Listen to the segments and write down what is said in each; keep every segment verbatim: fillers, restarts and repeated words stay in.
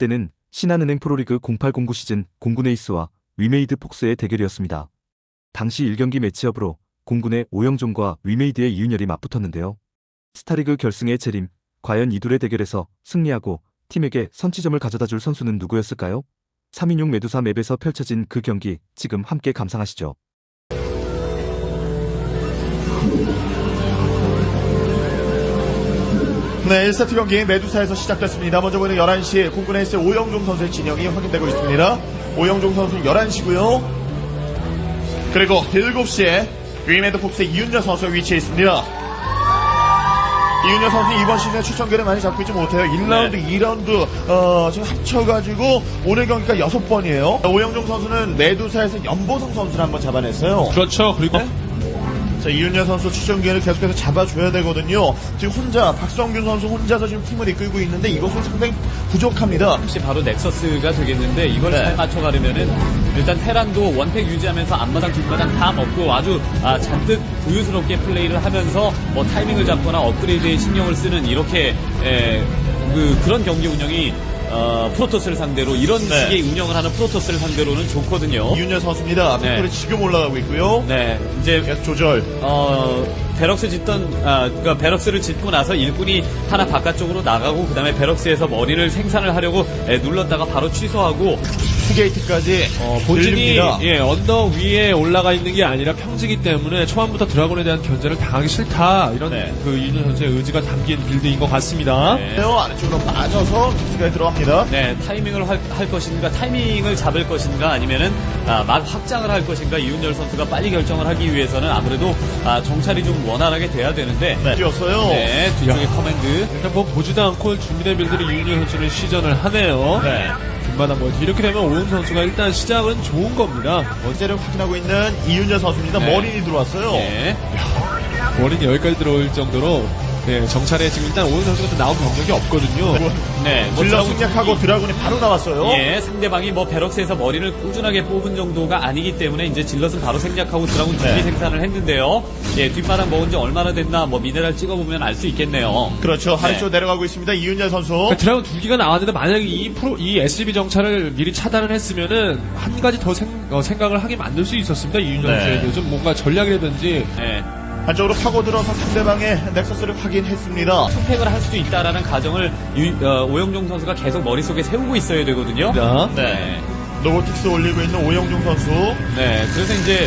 때는 신한은행 프로리그 공팔 공구 시즌 공군 에이스와 위메이드 폭스의 대결이었습니다. 당시 일 경기 매치업으로 공군의 오영종과 위메이드의 이윤열이 맞붙었는데요. 스타리그 결승의 재림, 과연 이 둘의 대결에서 승리하고 팀에게 선취점을 가져다줄 선수는 누구였을까요? 삼 인용 메두사 맵에서 펼쳐진 그 경기 지금 함께 감상하시죠. 네, 일 세트 경기 메두사에서 시작됐습니다. 먼저 보이는 열한 시 공군 에이스 오영종 선수의 진영이 확인되고 있습니다. 오영종 선수는 열한 시고요. 그리고 일곱 시에 위메드 폭스의 이윤열 선수가 위치해 있습니다. 이윤열 선수는 이번 시즌에 출전기를 많이 잡고 있지 못해요. 일 라운드, 네. 이 라운드 어, 지금 합쳐가지고 오늘 경기가 여섯 번이에요. 오영종 선수는 메두사에서 연보성 선수를 한번 잡아냈어요. 그렇죠. 그리고 네? 자, 이윤열 선수 출전기를 계속해서 잡아줘야 되거든요. 지금 혼자 박성균 선수 혼자서 지금 팀을 이끌고 있는데 이것은 상당히 부족합니다. 혹시 바로 넥서스가 되겠는데 이걸 네. 잘 맞춰가려면은 일단 테란도 원팩 유지하면서 앞마당 뒷마당 다 먹고 아주 아, 잔뜩 부유스럽게 플레이를 하면서 뭐 타이밍을 잡거나 업그레이드에 신경을 쓰는 이렇게 에, 그, 그런 경기 운영이 어, 프로토스를 상대로 이런 네. 식의 운영을 하는 프로토스를 상대로는 좋거든요. 이윤열 선수입니다. 네. 팩토리 지금 올라가고 있고요. 네, 이제 계속 조절. 어, 베럭스 짓던, 아, 그니까 베럭스를 짓고 나서 일꾼이 하나 바깥쪽으로 나가고, 그 다음에 베럭스에서 머리를 생산을 하려고 에, 눌렀다가 바로 취소하고, 투게이트까지 어, 본진이 늘립니다. 예, 언덕 위에 올라가 있는 게 아니라 평지기 때문에 초반부터 드라곤에 대한 견제를 당하기 싫다 이런 네. 그 이윤열 선수의 의지가 담긴 빌드인 것 같습니다. 네. 아래쪽으로 빠져서 킥스가 들어갑니다. 네, 타이밍을 할, 할 것인가, 타이밍을 잡을 것인가, 아니면은, 아, 막 확장을 할 것인가, 이윤열 선수가 빨리 결정을 하기 위해서는 아무래도, 아, 정찰이 좀 원활하게 돼야 되는데, 네, 뛰었어요. 네, 뒤쪽에 야. 커맨드. 일단 뭐 보지도 않고 준비된 빌드를 이윤열 선수는 시전을 하네요. 네. 뒷마당 멀티 이렇게 되면 오영 선수가 일단 시작은 좋은 겁니다. 원제를 확인하고 있는 이윤열 선수입니다. 네. 머린이 들어왔어요. 네. 원인이 여기까지 들어올 정도로 네, 정찰에 지금 일단 오영 선수가 또 나온 병력이 없거든요. 네, 뭐 질러 드라군 승략하고 드라군이 바로 나왔어요. 예, 상대방이 뭐 베럭스에서 머리를 꾸준하게 뽑은 정도가 아니기 때문에 이제 질럿은 바로 생략하고 드라군 준비 네. 생산을 했는데요. 예, 뒷바닥 먹은 지 얼마나 됐나 뭐 미네랄 찍어보면 알 수 있겠네요. 그렇죠. 네. 아래쪽 내려가고 있습니다. 이윤열 선수. 그러니까 드라곤 두 기가 나왔는데 만약에 이 프로 이 에스지비 정찰을 미리 차단을 했으면은 한 가지 더 생, 어, 생각을 하게 만들 수 있었습니다. 이윤열 네. 선수에게 좀 뭔가 전략이라든지 예, 한쪽으로 파고들어서 상대방의 넥서스를 확인했습니다. 선택을 할 수도 있다라는 가정을 유- 어, 오영종 선수가 계속 머릿속에 세우고 있어야 되거든요. 네. 로보틱스 올리고 있는 오영종 선수. 네, 그래서 이제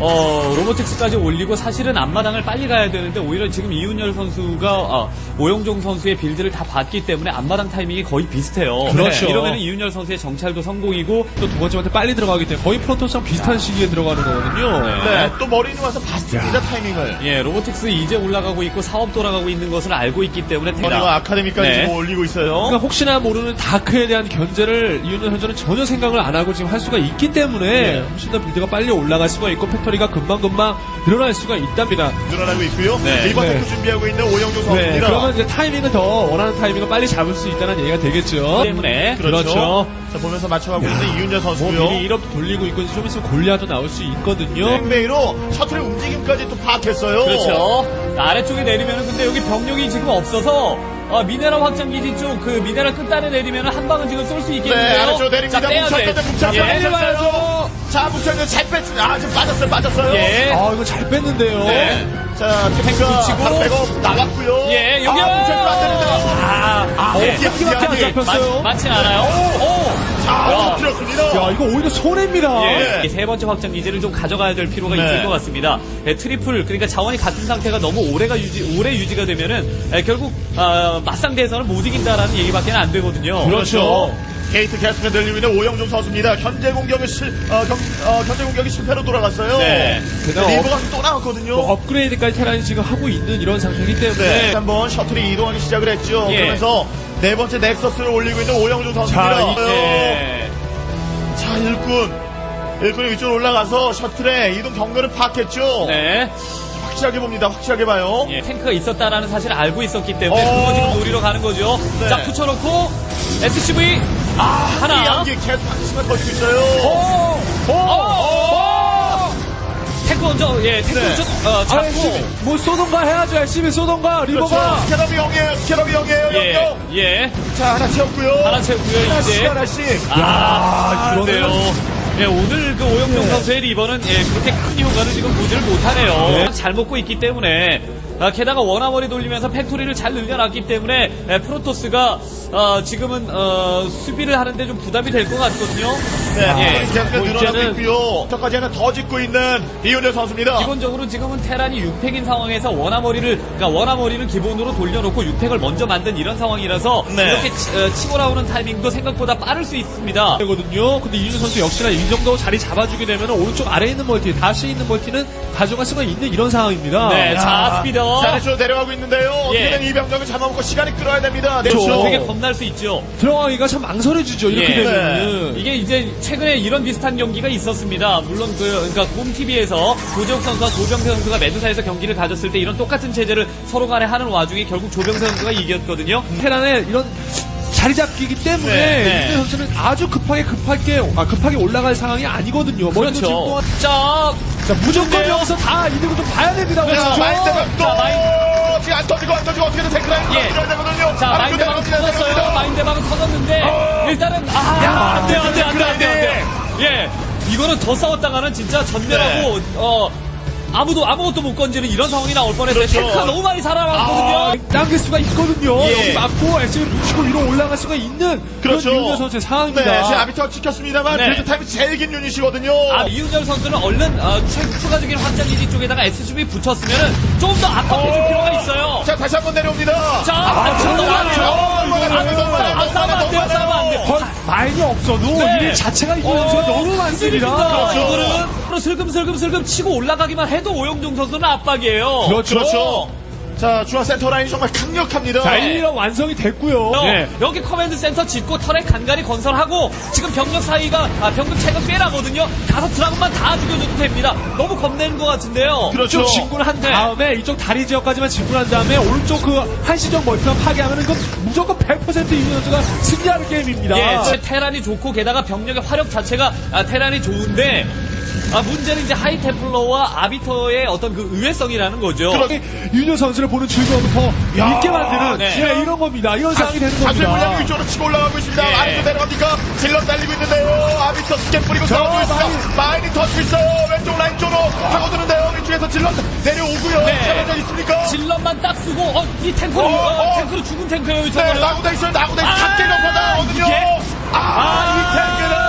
어, 로보틱스까지 올리고 사실은 앞마당을 빨리 가야 되는데 오히려 지금 이윤열 선수가 아, 오영종 선수의 빌드를 다 봤기 때문에 앞마당 타이밍이 거의 비슷해요. 그렇죠. 네, 이러면 이윤열 선수의 정찰도 성공이고 또 두 번째한테 빨리 들어가기 때문에 거의 프로토스랑 비슷한 시기에 들어가는 거거든요. 네. 네. 또 머린이 와서 봤습니다. 타이밍을. 예, 로보틱스 이제 올라가고 있고 사업 돌아가고 있는 것을 알고 있기 때문에 머리와 아카데미까지 네. 지금 올리고 있어요. 그러니까 혹시나 모르는 다크에 대한 견제를 이윤열 선수는 전혀 생각을 안 하고 지금 할 수가 있기 때문에 네. 훨씬 더 빌드가 빨리 올라갈 수가 있고 팩토리가 금방금방 늘어날 수가 있답니다. 늘어나고 있고요. 네. 리버 네. 테크 준비하고 있는 오영종 네, 선수입니다. 그러면 이제 타이밍을 더 원하는 타이밍을 빨리 잡을 수 있다는 얘기가 되겠죠. 때문에 그렇죠. 그렇죠. 자, 보면서 맞춰가고 있는 이윤열 뭐 선수고요. 미리 일업 돌리고 있고 좀 있으면 골리아도 나올 수 있거든요. 뱅베이로 셔틀의 움직임까지 또 파악했어요. 그렇죠. 아래쪽에 내리면은 근데 여기 병력이 지금 없어서 어, 미네랄 확장 기지 쪽 그 미네랄 끝단에 내리면은 한 방은 지금 쏠 수 있겠는데요. 네, 아래쪽 내립니다. 자, 빼야 돼. 뭉쳤는데 뭉쳤어요. 예, 뭉쳤어요. 자, 뭉쳤는데 잘 뺐습니다. 아, 지금 빠졌어요. 빠졌어요. 예. 아 이거 잘 뺐는데요. 네. 자, 탱크가 붙이고. 한 백업 나왔고요. 예, 여기요. 아, 뭉쳤으면 안 되는데. 아, 아, 네. 어디야, 어디밖에 안 어디야. 잡혔어요? 많진 않아요. 오. 자, 들었습니다. 야 이거 오히려 손해입니다. 예, 네. 세 번째 확장 기지를 좀 가져가야 될 필요가 네. 있을 것 같습니다. 예, 트리플 그러니까 자원이 같은 상태가 너무 오래가 유지 오래 유지가 되면은 예, 결국 아, 맞상 대선을 못 이긴다라는 얘기밖에 안 되거든요. 그렇죠. 게이트 계속해서 늘리고 있는 오영종 선수입니다. 현재 공격을 실, 어, 경, 어, 현재 공격이 실패로 돌아갔어요. 네. 게다가 리버가 또 나왔거든요. 뭐 업그레이드까지 테란이 지금 하고 있는 이런 상태이기 때문에 네. 한번 셔틀이 이동하기 시작을 했죠. 예. 그러면서 네 번째 넥서스를 올리고 있는 오영종 선수입니다. 자, 예. 자, 일꾼. 일꾼이 위쪽으로 올라가서 셔틀의 이동 경로를 파악했죠. 네. 확실하게 봅니다. 확실하게 봐요. 예, 탱크가 있었다라는 사실을 알고 있었기 때문에 어. 그거 지금 노리러 가는 거죠. 네. 자, 붙여놓고 에스씨브이 아 하나. 이 양기 계속 한심을 걸고 있어요. 오! 오! 오! 탱크 먼저, 예, 탱크 네. 먼저, 어, 아, 잡고. 엘씨비 뭐 쏘던가 해야죠. 엘씨비 쏘던가 리버가. 그렇죠. 스캐럽이 영이에요. 스캐럽이 영이에요. 예, 영영. 예. 자, 하나 채웠고요. 하나 채우고요, 하나씩, 이제. 하나씩. 아, 이거는- 그런데요. 예, 오늘 그 오영종 네. 선수의 리버는 예, 그렇게 큰 효과를 지금 보지를 못하네요. 잘 먹고 있기 때문에. 아, 게다가 원아머리 돌리면서 팩토리를 잘 늘려놨기 때문에 예, 프로토스가 어, 지금은 어, 수비를 하는데 좀 부담이 될 것 같거든요. 네, 예, 계속 뭐 늘어나고 이제는 있고요. 저까지 하나 더 짓고 있는 이윤열 선수입니다. 기본적으로 지금은 테란이 육 팩인 상황에서 원아머리를 그러니까 원아머리를 기본으로 돌려놓고 육 팩을 먼저 만든 이런 상황이라서 네. 이렇게 치, 어, 치고 나오는 타이밍도 생각보다 빠를 수 있습니다. 되거든요. 근데 이윤 선수 역시나 이 정도 자리 잡아주게 되면 오른쪽 아래에 있는 멀티, 다시 있는 멀티는 가져갈 수가 있는 이런 상황입니다. 네, 자 스피더. 자, 아래쪽으로 내려가고 있는데요. 예. 어떻게든 이 병력을 잡아먹고 시간이 끌어야 됩니다. 네, 그렇죠. 되게 겁날 수 있죠. 들어가기가 참 망설여지죠. 이렇게 예. 되면은. 이게 이제 최근에 이런 비슷한 경기가 있었습니다. 물론 그 그러니까 곰티비에서 조재욱 선수와 조병세 선수가 메두사에서 경기를 가졌을 때 이런 똑같은 체제를 서로 간에 하는 와중에 결국 조병세 선수가 이겼거든요. 테란의 이런 자리 잡기이기 때문에 네, 네. 윤대 선수는 아주 급하게 급하게 아, 급하게 올라갈 상황이 아니거든요. 머리도 지금 그렇죠. 동안 자, 자, 무조건 근데요? 여기서 다 이득을 좀 봐야 됩니다. 자, 그렇죠. 마인드가 또 자, 마인- 지금 안 터지고 안 터지고 어떻게든 탱크라인 예. 터져야 되거든요. 자, 아, 마인드방은 그대로 터졌어요. 됩니다. 마인드방은 터졌는데 일단은 아, 야, 안 돼요, 안 돼요, 안 돼요, 안 돼요, 안 돼요. 그라인딩. 예, 이거는 더 싸웠다가는 진짜 전멸하고 네. 어. 아무도 아무것도 못 건지는 이런 상황이 나올 뻔했어요. 그렇죠. 탱크가 너무 많이 살아남았거든요. 아, 당길 수가 있거든요. 예. 여기 맞고 엑스를 뭉치고 위로 올라갈 수가 있는 그렇죠. 그런 윤대 선수의 상황입니다. 네, 지금 아비터 지켰습니다만 네. 그래도 타임이 제일 긴 유닛이거든요. 아, 이윤열 선수는 얼른 어, 추, 추가적인 확장기지 쪽에다가 에스유브이 붙였으면은 좀 더 압박해줄 필요가 있어요. 자, 다시 한번 내려옵니다. 자, 아, 아, 너무 너무 많아요. 너무 많아요. 안 너무 많아요. 안 싸면 안 돼요, 싸면 안 돼요. 거- 마인이 없어도 네. 일 자체가 이윤 선수가 너무 많습니다. 그렇죠. 이거는 슬금슬금슬금 치고 올라가기만 해도 오영종 선수는 압박이에요. 그렇죠. 그렇죠. 자, 중앙 센터 라인이 정말 강력합니다. 자, 일 위가 완성이 됐고요. 어, 네. 여기 커맨드 센터 짓고 터렛 간간히 건설하고 지금 병력 사이가 아, 병력 차이가 꽤 나거든요. 가서 드라군만 다 죽여줘도 됩니다. 너무 겁내는 것 같은데요. 그렇죠. 이쪽 진군을 한 네. 다음에 이쪽 다리 지역까지만 진군한 다음에 오른쪽 그 한시적 멀티만 파괴하면 이건 무조건 백 퍼센트 이윤 선수가 승리하는 게임입니다. 예, 저 테란이 좋고 게다가 병력의 화력 자체가 아, 테란이 좋은데 아, 문제는 이제 하이테플러와 아비터의 어떤 그 의외성이라는 거죠. 그렇- 윤여 선수를 보는 즐거움을 더 야, 있게 만드는 네. 예, 이런 겁니다. 이런 상황이 되는 사슬 물량 겁니다. 위쪽으로 치고 올라가고 있습니다. 예. 아래쪽 내려갑니까? 질럿 달리고 있는데요. 아비터 스캔 뿌리고 싸우고 있습니다. 마인이 터지고 있어요. 왼쪽 라인 쪽으로 파고드는데요. 위쪽에서 질럿 내려오고요. 네. 자, 있습니까? 질럿만 딱 쓰고 어, 이 탱크로 어, 어, 어. 탱크로 죽은 탱크예요, 네, 저거는. 나고다 있어요. 나고다 있어요. 아, 작게 접하다거든요. 이게? 아, 이 탱크는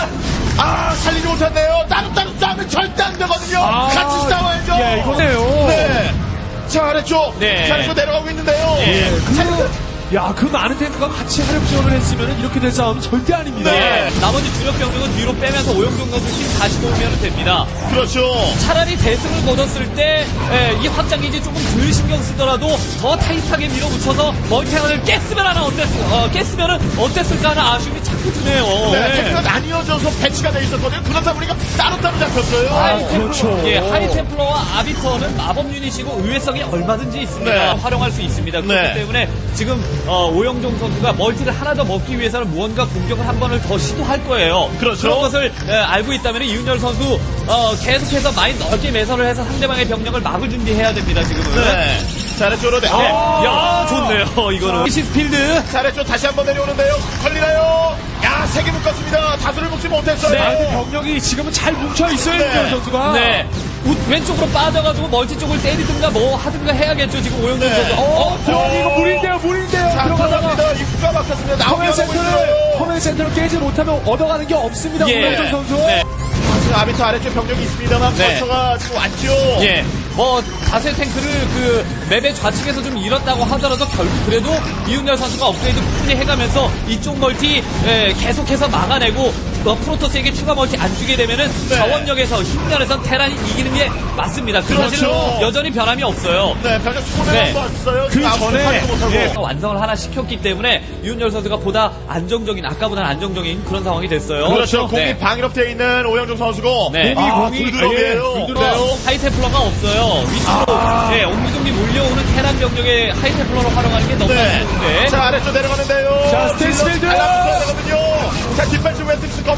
아, 살리지 못했네요. 따로따로 싸우면 절대 안 되거든요. 아, 같이 싸워야죠. 예, 이거네요. 네. 자, 아래쪽. 네. 자, 아래쪽 내려가고 있는데요. 예. 자, 그, 야, 그 많은 탱크가 같이 화력 지원을 했으면 이렇게 될 싸움은 절대 아닙니다. 네. 나머지 주력 병력은 뒤로 빼면서 오영종 선수 힘 다시 모으면 됩니다. 그렇죠. 차라리 대승을 거뒀을 때 이 확장기지 조금 덜 신경 쓰더라도 더 타이트하게 밀어붙여서 멀티하를 깼으면 하나 어땠, 어, 깼으면은 어땠을까 하는 아쉬움이 자꾸 드네요. 네, 탱크가 나뉘어져서 배치가 돼 있었거든요. 그러다 보니까 따로따로 잡혔어요. 하이템플러, 그렇죠. 예, 하이템플러와 아비터는 마법 유닛이고 의외성이 얼마든지 있습니다. 네. 활용할 수 있습니다. 그렇기 네. 때문에 지금 어, 오영종 선수가 멀티를 하나 더 먹기 위해서는 무언가 공격을 한 번을 더 시도할 거예요. 그렇죠. 런 것을 예, 알고 있다면 이윤열 선수 어, 계속해서 많이 넓게 매설을 해서 상대방의 병력을 막을 준비해야 됩니다. 지금은. 네. 자, 아래쪽으로 내. 네. 아, 야, 좋네요. 이거는. 시스필드. 자, 아래쪽 다시 한번 내려오는데요. 걸리나요? 야, 세 개 묶었습니다. 다수를 묶지 못했어요. 네. 아, 근데 병력이 지금은 잘 뭉쳐 있어요, 네. 윤여 선수가. 네. 우- 왼쪽으로 빠져가지고 멀티 쪽을 때리든가 뭐 하든가 해야겠죠. 지금 오영종 네. 선수. 어, 들어가 이거 물인데요, 물인데요. 자, 들어가다가 들어갑니다. 입구가 막혔습니다. 커맨 나오려고 센터를 있어요. 커맨 센터를 깨지 못하면 얻어가는 게 없습니다. 예. 오영종 선수. 네. 지금 아비터 아래쪽 병력이 있습니다만 네. 벌처가 지금 왔죠. 예, 뭐 다세 탱크를 그 맵의 좌측에서 좀 잃었다고 하더라도 결국 그래도 이윤열 선수가 업그레이드 꾸준히 해가면서 이쪽 멀티 예, 계속해서 막아내고 어, 프로토스에게 추가 멀티 안 주게 되면은 네. 자원력에서 힘면에서 테란이 이기는 게 맞습니다. 그 그렇죠. 사실은 여전히 변함이 없어요. 네, 병력 손에 네. 한번 왔어요. 그 지금 아무도 전에, 파악도 못하고. 예. 완성을 하나 시켰기 때문에 이윤열 선수가 보다 안정적인 아까보다는 안정적인 그런 상황이 됐어요. 그렇죠. 공이 네. 방위롭되어 있는 오영종 선수고. 네. 아, 공이, 불드럼이에요. 예, 어, 하이테플러가 없어요. 위쪽으로 예, 옹기종기 몰려오는 테란 병력의 하이테플러로 활용하는 게 너무 네. 아쉬운데. 자, 아래쪽 내려가는데요. 자, 스테이스필드. 달라붙어야 되거든요. 자, 뒷발치 웨스트스 겁니다.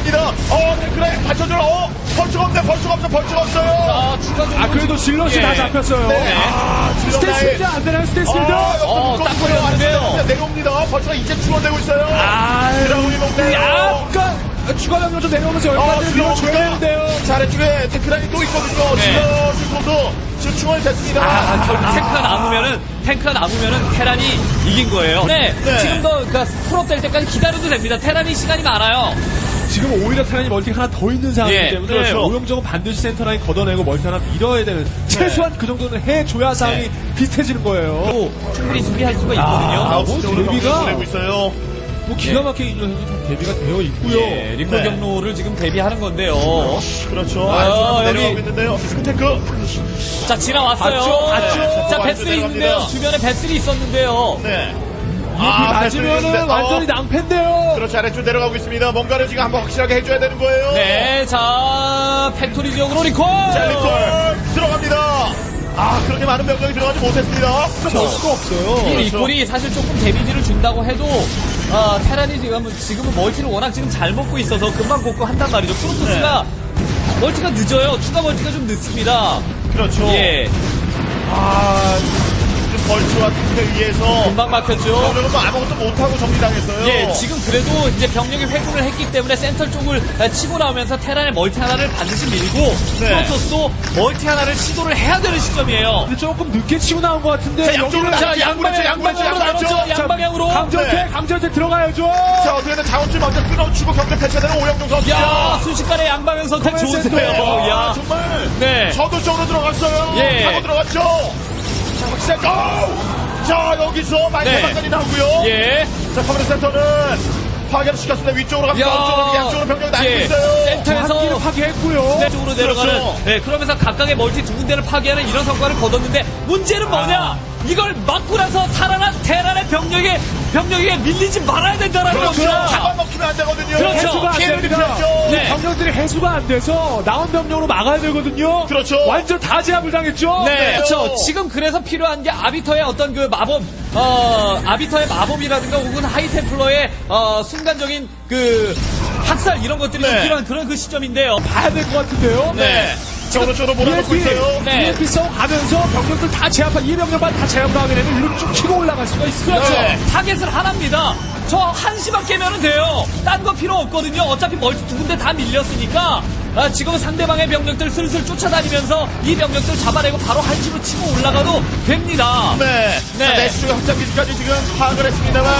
어, 그래, 받쳐줘. 어, 벌초가 없네, 벌초가 없어, 벌초가 없어요. 아, 추가적으로. 아 그래도 질럿이 예. 다 잡혔어요. 네. 아, 스테이스필드 안 되나요, 스테이스필드? 어, 딱 걸렸는데요. 내려옵니다. 벌초가 이제 추가되고 있어요. 아, 드라군이 먹네요. 약간 추가 병력 좀 내려오면서 어, 여기까지 밀어줘야 되는데요. 자, 아래쪽에 테크라인이 또 있거든요. 네. 지금 지금도 지금 충원이 됐습니다. 아, 결국 탱크가 남으면은, 탱크가 남으면은 테란이 이긴 거예요. 네. 네. 지금도, 그니까, 풀업 될 때까지 기다려도 됩니다. 테란이 시간이 많아요. 지금 오히려 테란이 멀티가 하나 더 있는 상황이기 예, 때문에 그렇죠. 오영정은 반드시 센터 라인 걷어내고 멀티 하나 밀어야 되는 최소한 그 정도는 해줘야 상황이 네. 비슷해지는 거예요. 또 충분히 준비할 수가 있거든요. 아홉 시 뭐 쪽으로 데뷔가- 경기를 보내고 있어요. 뭐 기가 막히게 이준현 선수 다 대비가 되어 있고요. 예, 리콜 네. 경로를 지금 대비하는 건데요. 그렇죠. 아, 아래쪽으로 한번 여기- 내려가고 있는데요. 스크테크. 자, 지나왔어요. 봤죠? 봤죠? 자, 완전 배슬이 내려갑니다. 있는데요. 주변에 배슬이 있었는데요. 네. 이 맞으면은 배슬이 완전히 있는데, 어, 낭패인데요. 그렇죠. 아래쪽 내려가고 있습니다. 뭔가를 지금 한번 확실하게 해줘야 되는 거예요. 네, 자, 팩토리 지역으로 리콜! 자, 리콜 들어갑니다. 아, 그렇게 많은 병력이 들어가지 못했습니다. 볼 수가 없어요. 이 리콜이 사실 조금 데미지를 준다고 해도, 어, 테란이 지금, 지금은 멀티를 워낙 지금 잘 먹고 있어서 금방 복구 한단 말이죠. 프로토스가 멀티가 늦어요. 추가 멀티가 좀 늦습니다. 그렇죠. 예, 아, 지금 벌츠와 탱크에 의해서 금방 막혔죠. 병력은 뭐 아무것도 못하고 정리당했어요. 예, 지금 그래도 이제 병력이 회군을 했기 때문에 센터 쪽을 아, 치고 나오면서 테란의 멀티 하나를 반드시 밀고 네. 프로토스도 멀티 하나를 시도를 해야 되는 시점이에요. 근데 조금 늦게 치고 나온 것 같은데. 자, 양쪽으로 여기는 나- 자, 양방향, 양방향, 양방향, 양방향으로 양방향, 나눴죠. 양방향으로. 강전태, 네. 강전태 들어가야죠. 자, 어떻게든 자원줄 먼저 끊어주고 경기 펼쳐되는 오영종 선수. 야, 순식간에 양방향 선택 커맨드 좋은데요. 센터예요. 아, 야, 정말. 네. 저도 쪽으로 들어갔어요. 예. 하고 들어갔죠. 자, 확실히 고! 자, 여기서 많이 네. 대박까지 나오고요. 예. 자, 커맨드 센터는 파괴를 시켰습니다. 위쪽으로 갑니다. 야. 앞쪽으로, 양쪽으로 병력이 나뉘고 예. 있어요. 센터에서 한기를 파괴했고요. 네, 쪽으로 내려가는. 그렇죠. 네, 그러면서 각각의 멀티 두 군데를 파괴하는 이런 성과를 거뒀는데 문제는 뭐냐? 아. 이걸 맞고 나서 살아난 테란의 병력에 병력에 밀리지 말아야 된다라는 그렇죠. 겁니다. 잡아먹히면 안 되거든요. 그렇죠. 해수가 안 피해를 됩니다. 입혀야죠. 네. 병력들이 해수가 안 돼서 나온 병력으로 막아야 되거든요. 그렇죠. 완전 다 제압을 당했죠. 네, 그렇죠. 지금 그래서 필요한 게 아비터의 어떤 그 마법, 어, 아비터의 마법이라든가 혹은 하이템플러의 어, 순간적인 그 학살 이런 것들이 좀 네. 필요한 그런 그 시점인데요. 봐야 될 것 같은데요. 네. 자, 오른쪽으로 몰아넣고 비엔피, 있어요. 네. 비엔피 싸움 가면서 병력들 다 제압한 이 병력만 다 제압을 하게 되면 일로 쭉 치고 올라갈 수가 있습니다. 그렇죠. 네. 타겟을 하나입니다. 저 한시만 깨면은 돼요. 딴 거 필요 없거든요. 어차피 멀티 두 군데 다 밀렸으니까. 아, 지금은 상대방의 병력들 슬슬 쫓아다니면서 이 병력들 잡아내고 바로 한시로 치고 올라가도 됩니다. 네. 네. 자, 내수가 확장 기지까지 지금 파악을 했습니다만,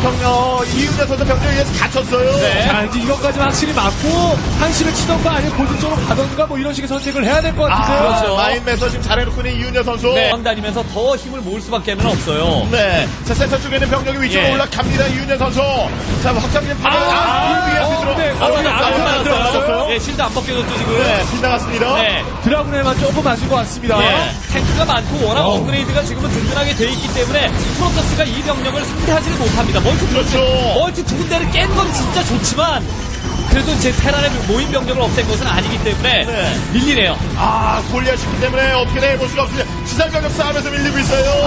병력, 이윤재 선수 병력에 의해서 갇혔어요. 네. 자, 이제 이것까지는 확실히 맞고 한시를 치던가 아니면 고질적으로 가던가 뭐 이런 식의 선택을 해야 될 것 같은데요. 아, 그렇죠. 마인매서 지금 잘해놓고 있는 이윤재 선수. 네. 다니면서 더 힘을 모을 수밖에 는 없어요. 네. 자, 센터 쪽에 있는 병력이 위쪽으로 예. 올라갑니다. 이윤재 선수. 자, 확장기는 파괴. 아, 아, 이 위에 어, 들어. 네. 아, 어, 여기 네. 안 안 들어갔어요. 들어갔어요. 예, 실드 안 벗겨졌죠, 지금. 네, 빗나갔습니다. 네. 드라군에만 조금 맞은 것 같습니다. 예, 탱크가 많고 워낙 어. 업그레이드가 지금은 든든하게 돼 있기 때문에 프로토스가 이 병력을 상대하지는 못합니다. 멀티 두 그렇죠. 군데, 멀티 두 군데를 깬 건 진짜 좋지만 그래도 이제 테란의 모인 병력을 없앤 것은 아니기 때문에 네. 밀리네요. 아, 골리앗이기 때문에 어떻게 해볼 수가 없습니다. 지상 병력 싸움에서 밀리고 있어요.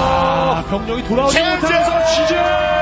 아, 병력이 돌아오지 제재! 못하면서 취재!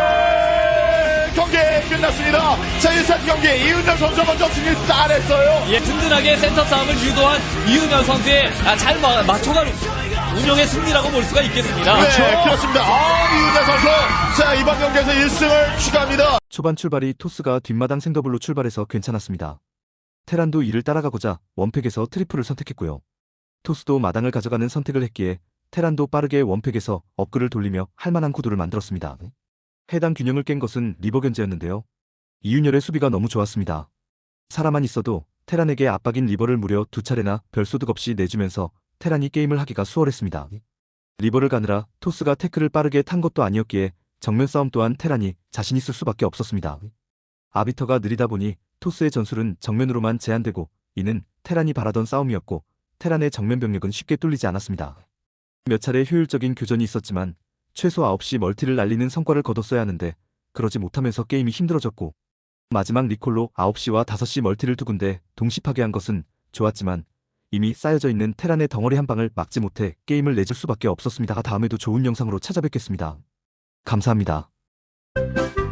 경기 끝났습니다. 자, 일 세트 경기 이윤재 선수 먼저 승리 따냈어요. 예, 든든하게 센터 싸움을 유도한 이은현 선수의 아, 잘 마- 맞춰간 운영의 승리라고 볼 수가 있겠습니다. 네, 그렇습니다. 아, 이윤재 선수. 자, 이번 경기에서 일 승을 추가합니다. 초반 출발이 토스가 뒷마당 생더블로 출발해서 괜찮았습니다. 테란도 이를 따라가고자 원팩에서 트리플을 선택했고요. 토스도 마당을 가져가는 선택을 했기에 테란도 빠르게 원팩에서 업글을 돌리며 할만한 구도를 만들었습니다. 해당 균형을 깬 것은 리버 견제였는데요. 이윤열의 수비가 너무 좋았습니다. 살아만 있어도 테란에게 압박인 리버를 무려 두 차례나 별소득 없이 내주면서 테란이 게임을 하기가 수월했습니다. 리버를 가느라 토스가 태클을 빠르게 탄 것도 아니었기에 정면 싸움 또한 테란이 자신 있을 수밖에 없었습니다. 아비터가 느리다 보니 토스의 전술은 정면으로만 제한되고 이는 테란이 바라던 싸움이었고 테란의 정면 병력은 쉽게 뚫리지 않았습니다. 몇 차례 효율적인 교전이 있었지만 최소 아홉 시 멀티를 날리는 성과를 거뒀어야 하는데 그러지 못하면서 게임이 힘들어졌고 마지막 리콜로 아홉 시와 다섯 시 멀티를 두 군데 동시 파괴한 것은 좋았지만 이미 쌓여져 있는 테란의 덩어리 한 방을 막지 못해 게임을 내줄 수밖에 없었습니다. 다음에도 좋은 영상으로 찾아뵙겠습니다. 감사합니다.